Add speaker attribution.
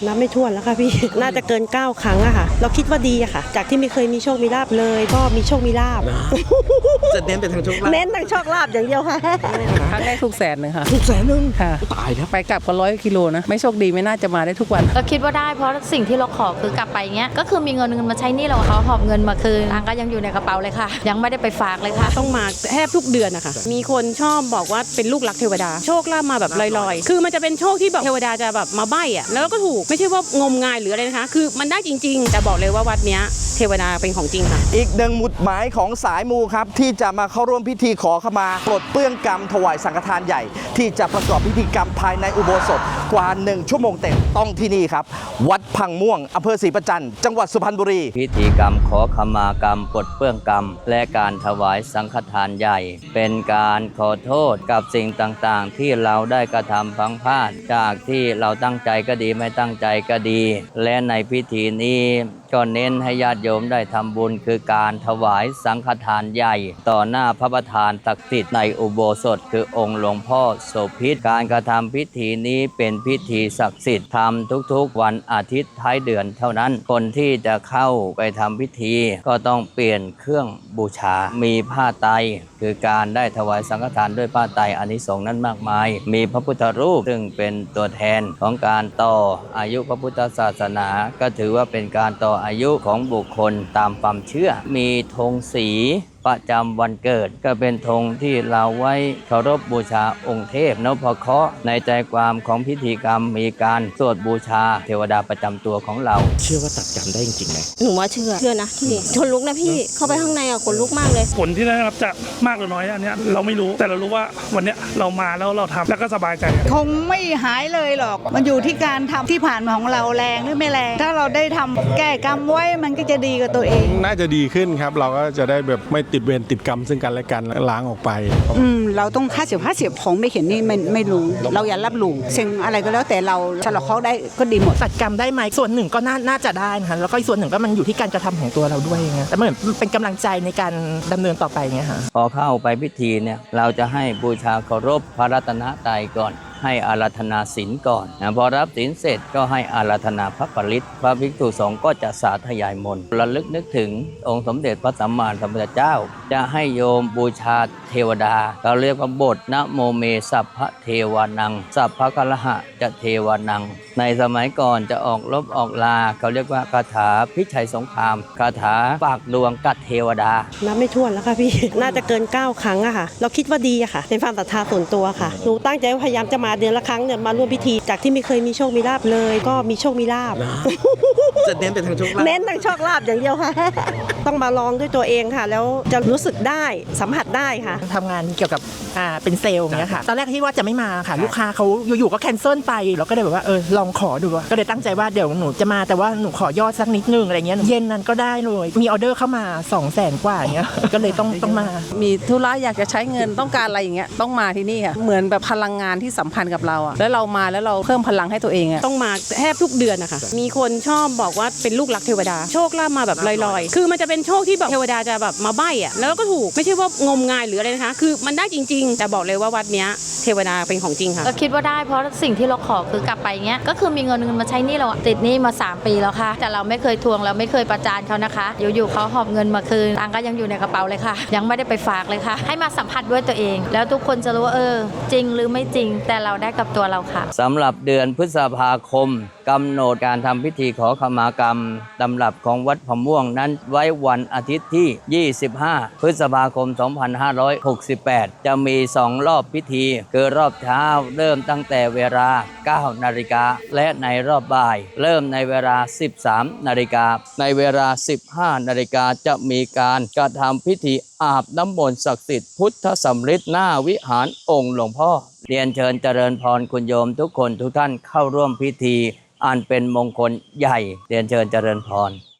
Speaker 1: นับไม่ถ้วนแล้วค่ะพี่ น่าจะเกิน9 ครั้งอะค่ะเราคิดว่าดีอะค่ะจากที่ไม่เคยมีโชคมีลาภเลยก็มีโชคมีลาภ
Speaker 2: จะเน้นไปทางโชคลาภ
Speaker 1: เน้นทางโชคลาภอย่างเดียวค่ะ
Speaker 3: ครั้งแรกถูก100,000ค่ะ
Speaker 2: ถูก100,000
Speaker 3: ค่ะ
Speaker 2: ตายแล้ว
Speaker 3: ไปกลับก็100 กิโลนะไม่โชคดีไม่น่าจะมาได้ทุกวัน
Speaker 4: ก็คิดว่าได้เพราะสิ่งที่เราขอคือกลับไปเงี้ยก็คือมีเงินมาใช้หนี้เราเขาหอบเงินมาคืนตังก็ยังอยู่ในกระเป๋าเลยค่ะยังไม่ได้ไปฝากเลยค่ะ
Speaker 1: ต้องมาแทบทุกเดือนนะคะมีคนชอบบอกว่าเป็นลูกรักเทวดาโชคลาภมาแบบลอยๆคือมันจะเป็นโชคที่แบบเทวดาจะแบบมาใบ้อะแล้วก็ถูกไม่ใช่ว่างมงายหรืออะไรนะคะคือมันได้จริงๆแต่บอกเลยว่าวัดเนี้ยเทวดาเป็นของจริงค่ะ
Speaker 2: อีกหนึ่งหมุดหมายของสายมูครับที่จะมาเข้าร่วมพิธีขอขมาปลดเปลื้องกรรมถวายสังฆทานใหญ่ที่จะประกอบพิธีกรรมภายในอุโบสถกว่า1 ชั่วโมงเต็มต้องที่นี่ครับวัดพังม่วงอำเภอศรีประจันทร์จังหวัดสุพรรณบุรี
Speaker 5: พิธีกรรมขอขมากรรมปลดเปลื้องกรรมและการถวายสังฆทานใหญ่ เป็นการขอโทษกับสิ่งต่างๆที่เราได้กระทำพลั้งพลาดจากที่เราตั้งใจก็ดีไม่ตั้งใจก็ดี และในพิธีนี้ก็เน้นให้ญาติโยมได้ทำบุญคือการถวายสังฆทานใหญ่ต่อหน้าพระประธานศักดิ์สิทธิ์ในอุโบสถคือองค์หลวงพ่อโสภิตการกระทำพิธีนี้เป็นพิธีศักดิ์สิทธิ์ทำทุกๆวันอาทิตย์ท้ายเดือนเท่านั้นคนที่จะเข้าไปทำพิธีก็ต้องเปลี่ยนเครื่องบูชามีผ้าไตรคือการได้ถวายสังฆทานด้วยผ้าไตรอานิสงส์นั้นมากมายมีพระพุทธรูปซึ่งเป็นตัวแทนของการต่ออายุพระพุทธศาสนาก็ถือว่าเป็นการต่ออายุของบุคคลตามความเชื่อมีธงสีประจำวันเกิดก็เป็นธงที่เราไว้เคารพบูชาองค์เทพนพเคราะห์ในใจความของพิธีกรรมมีการสวดบูชาเทวดาประจำตัวของเรา
Speaker 2: เชื่อว่าตัดกรรมได้จริงๆไหม
Speaker 6: หนูว่าเชื่อนะที่ขนลุกนะพี่เข้าไปข้างในขนลุกมากเลย
Speaker 7: ผลที่ได้รับจะมากหรือน้อยอันนี้เราไม่รู้แต่เรารู้ว่าวันนี้เรามาแล้วเราทำแล้วก็สบายใจ
Speaker 8: คงไม่หายเลยหรอกมันอยู่ที่การทำที่ผ่านมาของเราแรงหรือไม่แรงถ้าเราได้ทำแก้กรรมไว้มันก็จะดีกับตัวเอง
Speaker 9: น่าจะดีขึ้นครับเราก็จะได้แบบไม่ติดเวรติดกรรมซึ่งกันและกันล้างออกไป
Speaker 8: เราต้อง50-50ของไม่เห็นนี่ไม่รู้เราอย่ารับรู้สิ่งอะไรก็แล้วแต่เราฉลองเขาได้ก็ดีหมด
Speaker 10: ตัดกรรมได้ไหมส่วนหนึ่งก็น่าจะได้นะคะแล้วก็อีกส่วนหนึ่งก็มันอยู่ที่การกระทำของตัวเราด้วยไงแต่เหมือนเป็นกำลังใจในการดำเนินต่อไปไงค่ะ
Speaker 5: พอเข้าไปพิธีเนี่ยเราจะให้บูชาเคารพพระรัตนตรัยก่อนให้อาราธนาศีลก่อนพอรับศีลเสร็จก็ให้อาราธนาพระปริตพระภิกษุสงฆ์ก็จะสาธยายมนต์ระลึกนึกถึงองค์สมเด็จพระสัมมาสัมพุทธเจ้าจะให้โยมบูชาเทวดาเราเรียกว่าบทนะโมเมสัพพะเทวานังสัพพะกะระหะจะเทวานังในสมัยก่อนจะออกรบออกลาเขาเรียกว่าคาถาพิชัยสงครามคาถาฝากดวงกับเทวดา
Speaker 1: นับไม่ถ้วนแล้วค่ะพี่ น่าจะเกิน9 ครั้งอะค่ะเราคิดว่าดีอะค่ะเป็นความศรัทธาส่วนตัวค่ะหนูตั้งใจว่าพยายามจะมาเดือนละครั้งเนี่ยมาร่วมพิธีจากที่ไม่เคยมีโชคมีลาภเลยก็มีโชคมีลาภ
Speaker 2: จะเน้นไปทางโชคลาภ
Speaker 1: เน้นทางโชคลาภอย่างเดียวค่ะ ต้องมาลองด้วยตัวเองค่ะแล้วจะรู้สึกได้สัมผัสได้ค่ะ
Speaker 10: ทำงานเกี่ยวกับเป็นเซลล์อย่างเงี้ยค่ะตอนแรกที่ว่าจะไม่มาค่ะลูกค้าเขาอยู่ๆก็แคนเซิลไปเราก็เลยแบบว่าลองขอดูก็เลยตั้งใจว่าเดี๋ยวหนูจะมาแต่ว่าหนูขอยอดสักนิดนึงอะไรเงี้ยเย็นนั้นก็ได้เลยมีออเดอร์เข้ามา200,000 กว่าอย่างเงี้ยก็เลยต้องมา
Speaker 3: มีธุระอยากจะใช้เงินต้องการอะไรอย่างเงี้ยต้องมาที่นี่ค่ะเหมือนแบบพลังงานที่สัมพันธ์กับเราอะแล้วเรามาแล้วเราเพิ่มพลังให้ตัวเองอะ
Speaker 1: ต้องมาแทบทุกเดือนนะคะมีคนชอบบอกว่าเป็นลูกรักเทวดาโชคลาภมาแบบลอยๆคือมันจะเป็นโชคที่แบบเทวดาจะแบบมาใบ้อะแล้วก็ถูกไม่ใช่ว่างมงายหรืออะไรนะคะคือมันได้จริงๆแต่บอกเลยว่าวัดเนี้ยเทวดาเป็นของจริงค่ะ
Speaker 4: ก็คิดว่าได้เพราะสิ่งที่เราขอคือกลับไปเงี้ยก็คือมีเงินมาใช้หนี้เราติดหนี้มา3 ปีแล้วค่ะแต่เราไม่เคยทวงเราไม่เคยประจานเขานะคะอยู่ๆเขาหอบเงินมาคืนตังก็ยังอยู่ในกระเป๋าเลยค่ะยังไม่ได้ไปฝากเลยค่ะให้มาสัมผัสด้วยตัวเองแล้วทุกคนจะรู้ว่าจริงหรือไม่จริงแต่เราได้กับตัวเราค่ะ
Speaker 5: สำหรับเดือนพฤษภาคมกำหนดการทำพิธีขอขมากรรมตำรับของวัดพะม่วงนั้นไว้วันอาทิตย์ที่ 25 พฤษภาคม 2568 จะมี2 รอบพิธีคือรอบเช้าเริ่มตั้งแต่เวลา 9 นาฬิกาและในรอบบ่ายเริ่มในเวลา 13 นาฬิกาในเวลา 15 นาฬิกาจะมีการกระทำพิธีอาบน้ำมนต์ศักดิ์สิทธิ์พุทธสำริดหน้าวิหารองค์หลวงพ่อเรียนเชิญเจริญพรคุณโยมทุกคนทุกท่านเข้าร่วมพิธีอันเป็นมงคลใหญ่เรียนเชิญเจริญพร